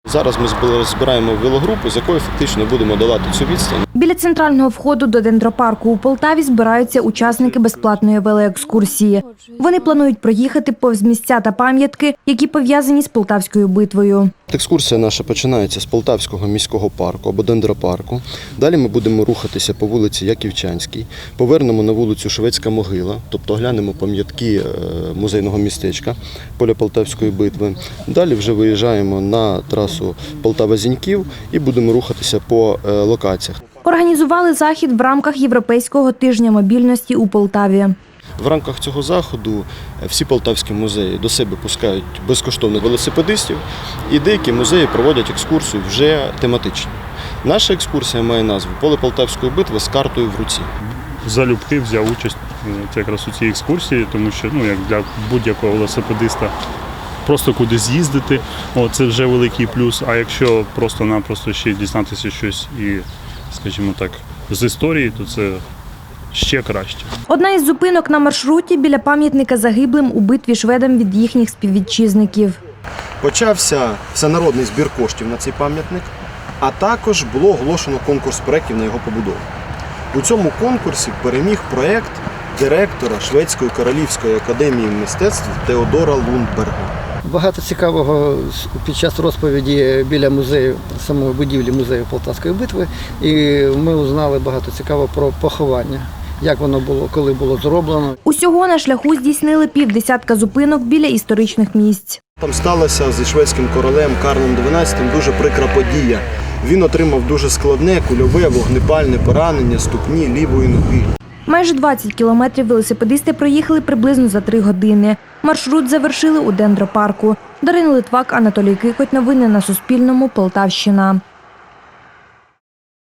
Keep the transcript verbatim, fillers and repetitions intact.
Зараз ми збираємо велогрупу, з якою фактично будемо долати цю відстань. Біля центрального входу до дендропарку у Полтаві збираються учасники безплатної велоекскурсії. Вони планують проїхати повз місця та пам'ятки, які пов'язані з Полтавською битвою. Екскурсія наша починається з Полтавського міського парку або дендропарку. Далі ми будемо рухатися по вулиці Яківчанській, повернемо на вулицю Шведська могила, тобто оглянемо пам'ятки музейного містечка поля Полтавської битви. Далі вже виїжджаємо на трасу Полтава-Зіньків і будемо рухатися по локаціях. Організували захід в рамках Європейського тижня мобільності у Полтаві. В рамках цього заходу всі полтавські музеї до себе пускають безкоштовно велосипедистів, і деякі музеї проводять екскурсію вже тематичні. Наша екскурсія має назву «Поле Полтавської битви з картою в руці». Залюбки взяв участь якраз у цій екскурсії, тому що ну, як для будь-якого велосипедиста просто кудись з'їздити, це вже великий плюс, а якщо просто-напросто ще дізнатися щось і, скажімо так, з історії, то це ще краще. Одна із зупинок на маршруті біля пам'ятника загиблим у битві шведам від їхніх співвітчизників. Почався всенародний збір коштів на цей пам'ятник, а також було оголошено конкурс проєктів на його побудову. У цьому конкурсі переміг проєкт директора Шведської королівської академії мистецтв Теодора Лундберга. Багато цікавого під час розповіді біля музею, самої будівлі музею Полтавської битви, і ми узнали багато цікавого про поховання, як воно було, коли було зроблено. Усього на шляху здійснили півдесятка зупинок біля історичних місць. Там сталася зі шведським королем Карлом дванадцятим дуже прикра подія. Він отримав дуже складне кульове вогнепальне поранення ступні лівої ноги. Майже двадцять кілометрів велосипедисти проїхали приблизно за три години. Маршрут завершили у дендропарку. Дарина Литвак, Анатолій Кикоть. Новини на Суспільному. Полтавщина.